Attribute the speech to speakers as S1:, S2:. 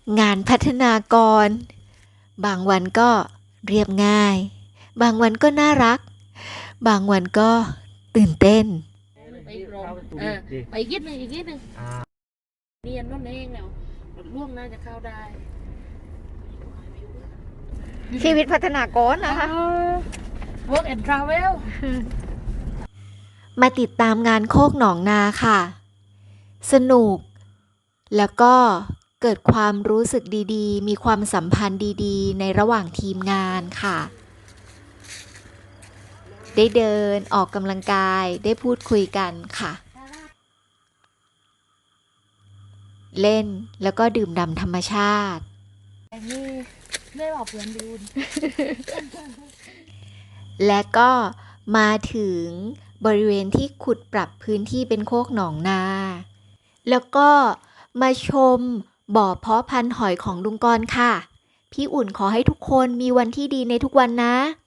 S1: งานพัฒนากรบางวันก็เรียบง่ายบางวันก็น่ารักบางวันก็ตื่นเต้น
S2: ไปกรมไปอีกนิดนึงอีกนิดนึงเรียนนั่นเองแล้วล่วงน่าจะเข้าได้
S1: ชีวิตพัฒนากรนะคะ
S2: Work and Travel
S1: มาติดตามงานโคกหนองนาค่ะสนุกแล้วก็เกิดความรู้สึกดีๆมีความสัมพันธ์ดีๆในระหว่างทีมงานค่ะได้เดินออกกำลังกายได้พูดคุยกันค่ะเล่นแล้วก็ดื่มด่ำธรรมชาติ
S2: นี่ได้บอกเพื่อนดู
S1: และก็มาถึงบริเวณที่ขุดปรับพื้นที่เป็นโคกหนองนาแล้วก็มาชมบ่อเพาะพันธุ์หอยของลุงกรณ์ค่ะพี่อุ่นขอให้ทุกคนมีวันที่ดีในทุกวันนะ